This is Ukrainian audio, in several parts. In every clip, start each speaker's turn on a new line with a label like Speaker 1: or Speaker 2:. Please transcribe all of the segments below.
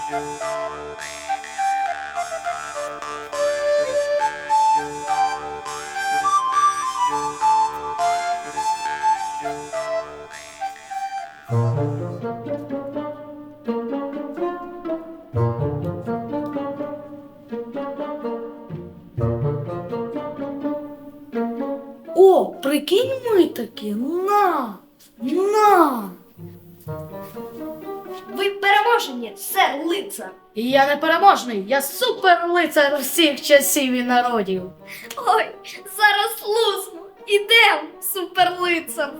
Speaker 1: О, прикинь, ми такі, на.
Speaker 2: Ви переможені, сер лицар.
Speaker 1: І я не переможний, я суперлицар всіх часів і народів.
Speaker 2: Ой, зараз лусну. Ідем, суперлицар.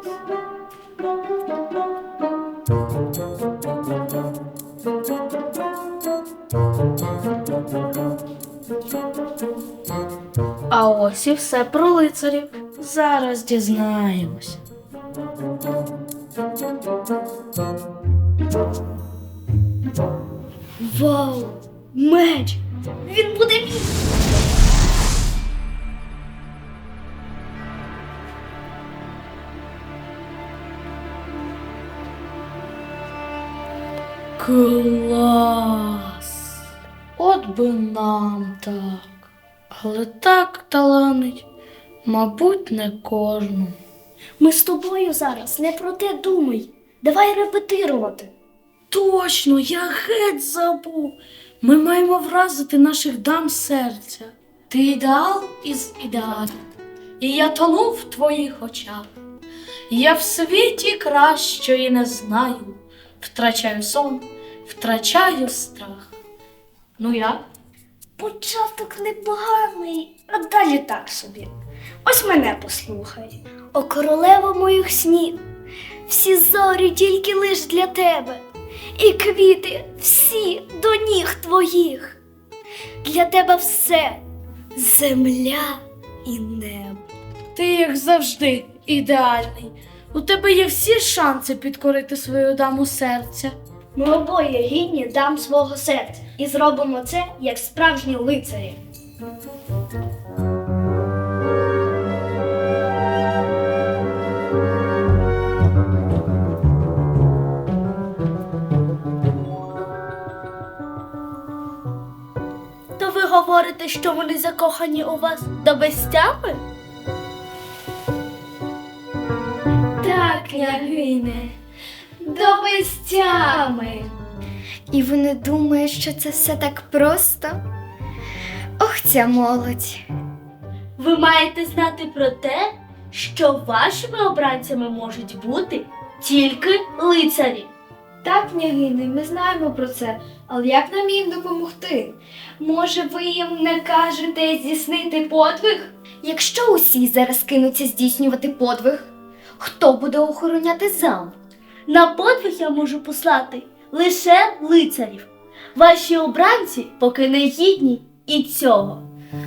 Speaker 1: А ось і все про лицарів. Зараз дізнаємося.
Speaker 2: Вау, меч. Він буде мій.
Speaker 1: Клас! От би нам так. Але так таланить, мабуть, не кожному.
Speaker 2: Ми з тобою зараз не про те думай. Давай репетирувати.
Speaker 1: Точно, я геть забув. Ми маємо вразити наших дам серця. Ти ідеал із ідеалів, і я тону в твоїх очах. Я в світі кращої не знаю. Втрачаю сон, втрачаю страх. Ну як?
Speaker 2: Початок непоганий, а далі так собі. Ось мене послухай. О, королева моїх снів, всі зорі тільки лиш для тебе, і квіти всі до ніг твоїх. Для тебе все — земля і небо.
Speaker 1: Ти, як завжди, ідеальний. У тебе є всі шанси підкорити свою даму серця.
Speaker 2: Ми обоє гідні дам свого серця і зробимо це, як справжні лицарі. То ви говорите, що вони закохані у вас до безтями? Так, княгине, до безтями. І вони думають, що це все так просто? Ох, ця молодь. Ви маєте знати про те, що вашими обранцями можуть бути тільки лицарі. Так, княгине, ми знаємо про це, але як нам їм допомогти? Може, ви їм накажете здійснити подвиг? Якщо усі зараз кинуться здійснювати подвиг, хто буде охороняти замок? На подвиг я можу послати лише лицарів. Ваші обранці поки не гідні і цього.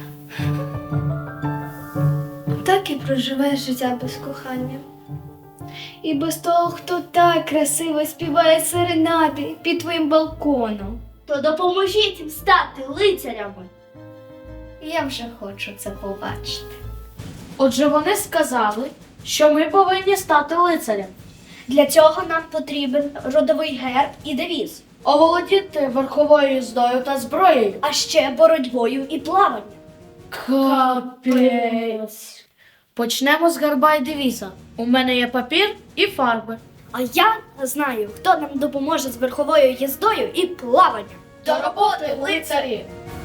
Speaker 2: Так і проживеш життя без кохання. І без того, хто так красиво співає серенади під твоїм балконом. То допоможіть їм стати лицарями. Я вже хочу це побачити.
Speaker 1: Отже, вони сказали, що ми повинні стати лицарем.
Speaker 2: Для цього нам потрібен родовий герб і девіз,
Speaker 1: Оволодіти верховою їздою та зброєю.
Speaker 2: а ще боротьбою і плаванням.
Speaker 1: Капець. Почнемо з герба і девіза. У мене є папір і фарби.
Speaker 2: А я знаю, хто нам допоможе з верховою їздою і плаванням.
Speaker 1: До роботи, лицарі!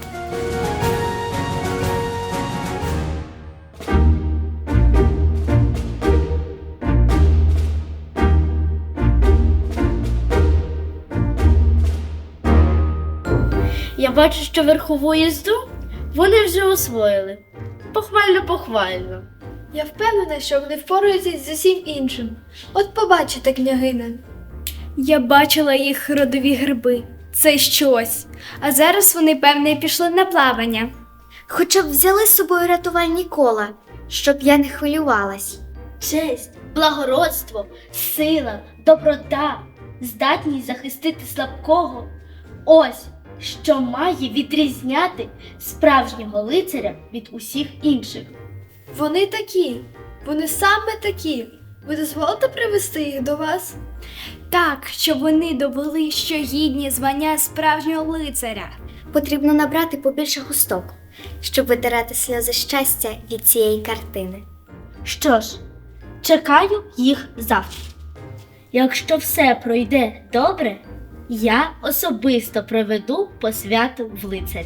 Speaker 2: Я бачу, що верхову їзду вони вже освоїли. Похвально.
Speaker 3: Я впевнена, що вони впораються з усім іншим. От побачите, княгине.
Speaker 2: Я бачила їх родові герби. Це щось. А зараз вони, певне, пішли на плавання.
Speaker 4: Хоча б взяли з собою рятувальні кола, щоб я не хвилювалась.
Speaker 2: Честь, благородство, сила, доброта, здатність захистити слабкого. Ось, що має відрізняти справжнього лицаря від усіх інших.
Speaker 3: Вони такі. Вони саме такі. Ви дозволите привезти їх до вас?
Speaker 2: Так, щоб вони довели, що гідні звання справжнього лицаря.
Speaker 4: Потрібно набрати побільше густок, щоб витирати сльози щастя від цієї картини.
Speaker 1: Що ж, чекаю їх завтра. Якщо все пройде добре, я особисто проведу посвяту в лицарі.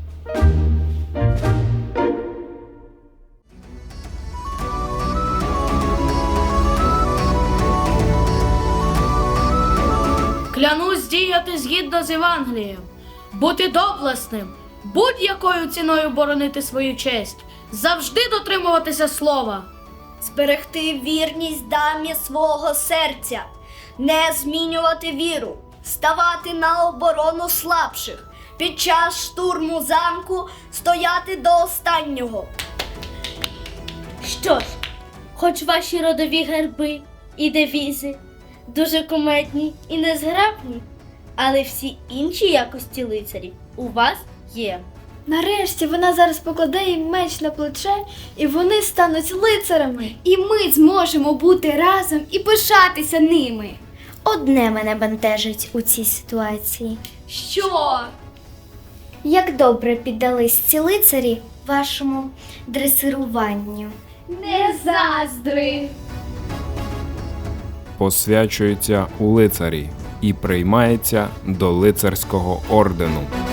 Speaker 1: Клянусь діяти згідно з Євангелієм, бути доблесним, будь-якою ціною боронити свою честь, завжди дотримуватися слова.
Speaker 2: Зберегти вірність дамі свого серця, не змінювати віру, ставати на оборону слабших, під час штурму замку стояти до останнього.
Speaker 1: Що ж, хоч ваші родові герби і девізи дуже кумедні і незграбні, але всі інші якості лицарів у вас є.
Speaker 3: Нарешті вона зараз покладе їм меч на плече, і вони стануть лицарами.
Speaker 2: І ми зможемо бути разом і пишатися ними.
Speaker 4: Одне мене бентежить у цій ситуації.
Speaker 2: Що?
Speaker 4: Як добре піддались ці лицарі вашому дресируванню.
Speaker 2: Не заздри!
Speaker 5: Посвячується у лицарі і приймається до лицарського ордену.